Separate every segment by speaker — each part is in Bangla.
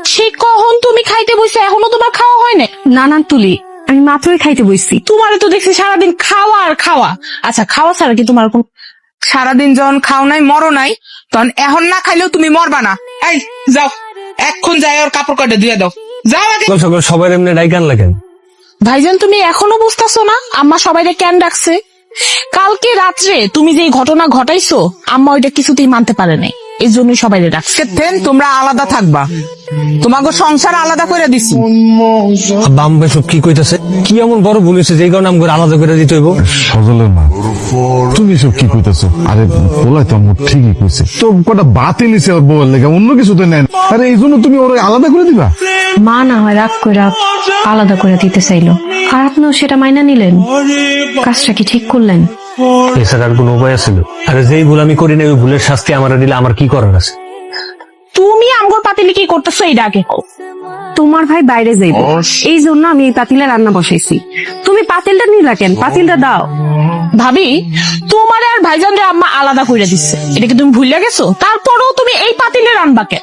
Speaker 1: সেই কখন তুমি খাইতে বসে এখনো তোমার খাওয়া হয় না?
Speaker 2: না না তুলি, আমি মাত্রই খাইতে বসছি।
Speaker 1: তোমার তো দেখছি সারাদিন খাওয়া আর খাওয়া। আচ্ছা, খাওয়া ছাড়া কি তোমার কোন? সারাদিন যখন খাও নাই মরো নাই, তখন এখন না খাইলেও তুমি মরবা না। এই যাও, এখন যাই ওর কাপড় কাটে দিয়ে দাও, যাও আগে।
Speaker 3: সকাল সবাই এমনি ডাইকান লাগেন।
Speaker 1: ভাইজান তুমি এখনো বুঝতেছো না আম্মা সবাইকে কেন ডাকছে? কালকে রাত্রে তুমি যে ঘটনা ঘটাইছো আম্মা ওইটা কিছুতেই মানতে পারে নাই, এই জন্যই সবাই ডাকছে। তোমরা আলাদা থাকবা, তোমাকে সংসার আলাদা করে দিছি।
Speaker 3: বাম ভাই সব কি কইতাছে? কি এমন বড় ভুল হয়েছে যে কারণে আমাকে আলাদা করে দিতে হইব?
Speaker 4: সজলের মা, তুমি সব কি কইতাছো? আরে বলাই তো আমার ঠিকই কইছে, তো কটা বাতিল নিছে ওর বউয়ের লেগে, অন্য কিছু তো নেন। আরে এই জন্য তুমি ওর আলাদা করে দিবা?
Speaker 2: মা না হয় রাগ করে আলাদা করে দিতে চাইলো, আর আপনিও সেটা মাইনা নিলেন। কাজটা কি ঠিক করলেন?
Speaker 3: এছাড়া আর কোনো উপায় ছিল? আরে যেই ভুল আমি করি না ওই ভুলের শাস্তি আমার দিলে আমার কি করার আছে?
Speaker 1: তুমি আমগর পাতিলে কি করতেছো এইটা আগে কও।
Speaker 2: তোমার ভাই বাইরে যাইব, এই জন্য আমি এই পাতিলে রান্না বসাইছি। তুমি পাতিলটা নিলা কেন? পাতিলটা দাও।
Speaker 1: ভাবি, তোমার আর ভাইজানরে আম্মা আলাদা করে দিচ্ছে, এটা কি তুমি ভুলে গেছো? তারপরেও তুমি এই পাতিলে রান্না কেন?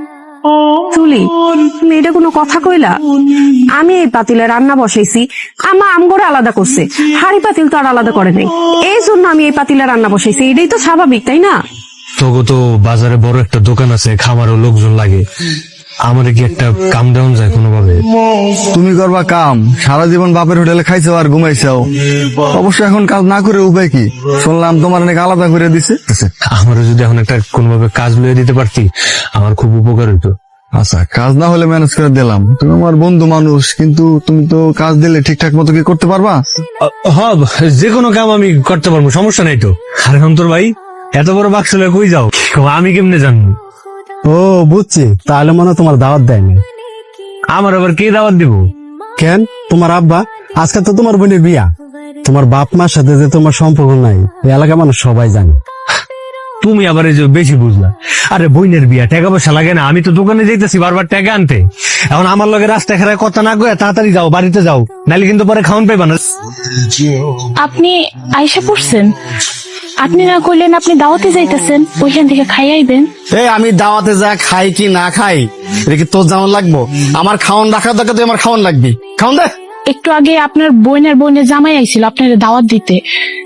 Speaker 2: তুলি, তুমি এটা কোনো কথা কইলা? আমি এই পাতিলে রান্না বসাইছি, আমা আমগরে আলাদা করছে, হাড়ি পাতিল তো আর আলাদা করে নাই, এই জন্য আমি এই পাতিলে রান্না বসাইছি। এটাই তো স্বাভাবিক, তাই না?
Speaker 3: তোগো তো বাজারে বড় একটা দোকান আছে, খামারও লোকজন লাগে, আমার কি একটা কাম ডাউন যায় কোনোভাবে?
Speaker 4: তুমি করবা কাম, সারা জীবন বাপের হোটেলে খাইছো আর ঘুমাইছাও, অবশ্য এখন কাজ না করে উপায় কি? শুনলাম তোমার অনেক আলাদা করে দিছে।
Speaker 3: আমারও যদি এখন একটা কোনোভাবে কাজ লইয়ে দিতে পারতি আমার খুব উপকার হইতো।
Speaker 4: আচ্ছা, কাজ না হলে ম্যানেজ করে দিলাম, তুমি আমার বন্ধু মানুষ, কিন্তু তুমি তো কাজ দিলে ঠিকঠাক মতো কি করতে পারবা?
Speaker 3: হ্যাঁ, যে কোনো কাম আমি করতে পারবো, সমস্যা নাই তো। আরে অন্তর ভাই, এত বড় বাক্স লয়ে কই যাও? আমি কেমনে জানবো?
Speaker 5: ও বুঝছি, তাহলে মনে হয় তোমার দাওয়াত দেয়নি।
Speaker 3: আমার আবার কে দাওয়াত দিব?
Speaker 5: কেন? তোমার আব্বা, আজকে তো তোমার বোনের বিয়া, তোমার বাপ মার সাথে যে তোমার সম্পর্ক নাই এই এলাকার মানুষ সবাই জানে।
Speaker 3: তুমি আবার এই যে বেশি বুঝলা। আরে বইনের বিয়া, টাকা পয়সা লাগে না? আমি তো দোকানে যাইতেছি বারবার টাকা আনতে, এখন আমার লগে রাস্তা খেলায় কথা না কয়ে তাড়াতাড়ি যাও, বাড়িতে যাও, নাহলে কিন্তু পরে খাওন পাইবা না।
Speaker 1: আপনি আইসা পড়ছেন, আপনি না কইলেন আপনি দাওয়াতে যাইতেছেন, ওইখান থেকে খাই আইবেন।
Speaker 5: আমি দাওয়াতে যা খাই কি না খাই এটা কি তোর যেমন লাগবো? আমার খাওয়ান রাখার দরকার, তুই আমার খাওয়ান লাগবি, খাওয়ান দে।
Speaker 1: একটু আগে আপনার বোনের জামাই আইছিল আপনার দাওয়াত দিতে,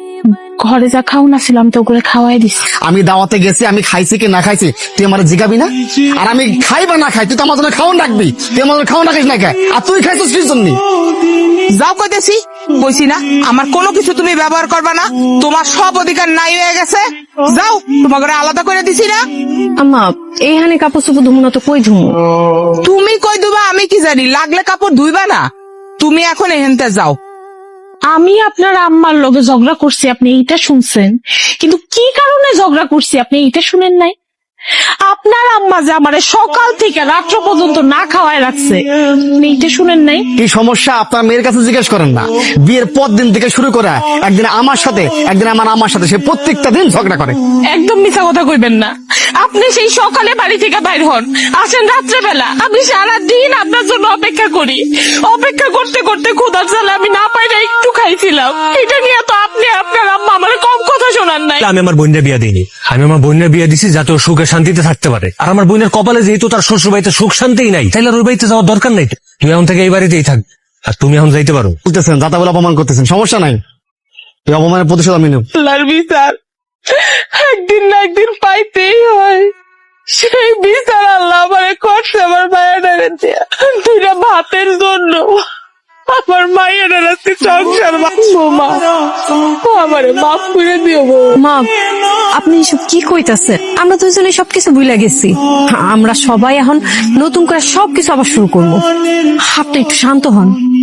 Speaker 1: ঘরে যা খাওন আছিল আমি তো ওগুলো খাওয়াই দিছি।
Speaker 5: আমি দাওয়াতে গেছি, আমি খাইছি কি না খাইছি তুই আমার জিগাবি না? আর আমি খাই বা না খাই তুই তো আমার জন্য খাওয়ান রাখবি, তুই আমার জন্য খাওয়ান রাখিস না খাই, আর তুই খাইছিস কি জন্য?
Speaker 1: যাও কইতেছি, কইছি না আমার কোনো কিছু তুমি ব্যবহার করবা না, তোমার সব অধিকার নাই হয়ে গেছে। যাও, তোমাকে আলাদা করে দিছি না।
Speaker 2: আম্মা, এইখানে কাপড় চোপড় ধুমু না তো কই ধুমু?
Speaker 1: তুমি কই দুবা আমি কি জানি, লাগলে কাপড় ধুইবা না। তুমি এখন এহেনতে যাও। আমি আপনার আম্মার লগে ঝগড়া করছি, আপনি এইটা শুনছেন, কিন্তু কি কারণে ঝগড়া করছি আপনি এইটা শুনেন নাই? আপনার আম্মা যে আমারে সকাল থেকে রাত্র পর্যন্ত না খাওয়ায় রাখছে, আপনি এইটা শুনেন নাই?
Speaker 5: কি সমস্যা আপনার মেয়ের কাছে জিজ্ঞেস করেন না? বিয়ের পর দিন থেকে শুরু করে একদিন আমার সাথে একদিন আমার আম্মার সাথে, সে প্রত্যেকটা দিন ঝগড়া করে।
Speaker 1: একদম মিথ্যা কথা কইবেন না। আপনি সেই সকালে বাড়ি থেকে বাইর হন, আসেন রাত্রেবেলা, আমি সারাদিন আপনার জন্য অপেক্ষা করি, অপেক্ষা করতে করতে ক্ষুধার জ্বালা আমি না পাই না একটু খাইছিলাম। এটা নিয়ে তো আপনি আপনার আম্মা আমার কম কথা শোনান নাই।
Speaker 3: আমি আমার বোনের বিয়া দিইনি, আমি আমার বোনের বিয়া দিছি যাতে ও সুখে শান্তিতে থাকতে পারে। আর আমার বোনের কপালে যেহেতু তার শ্বশুর বাড়িতে সুখ শান্তিই নাই, তাইলে আর ওর বাড়িতে যাওয়ার দরকার নাই। তুই এখন থেকে এই বাড়িতেই থাক, আর তুমি এখন যাইতে পারো।
Speaker 5: বলতেছেন যাতা বলে অপমান করতেছেন, সমস্যা নাই, তুই অপমানের প্রতিশোধ আমি নেব।
Speaker 1: আল্লাহর বিচার একদিন না একদিন পাইতেই হয়, সেই বিচার আল্লাহ আমারে করছে আমার মায়ের দিয়া। দুইটা ভাতের জন্য আমার মায়ের রাস্তে সংসার বাঁচবো। মা, আমারে মাফ করে দিও গো।
Speaker 2: মা, আপনি এসব কি কইতাছেন? আমরা দুজনে সবকিছু ভুলে গেছি, আমরা সবাই এখন নতুন করে সবকিছু আবার শুরু করবো। আপনি একটু শান্ত হন।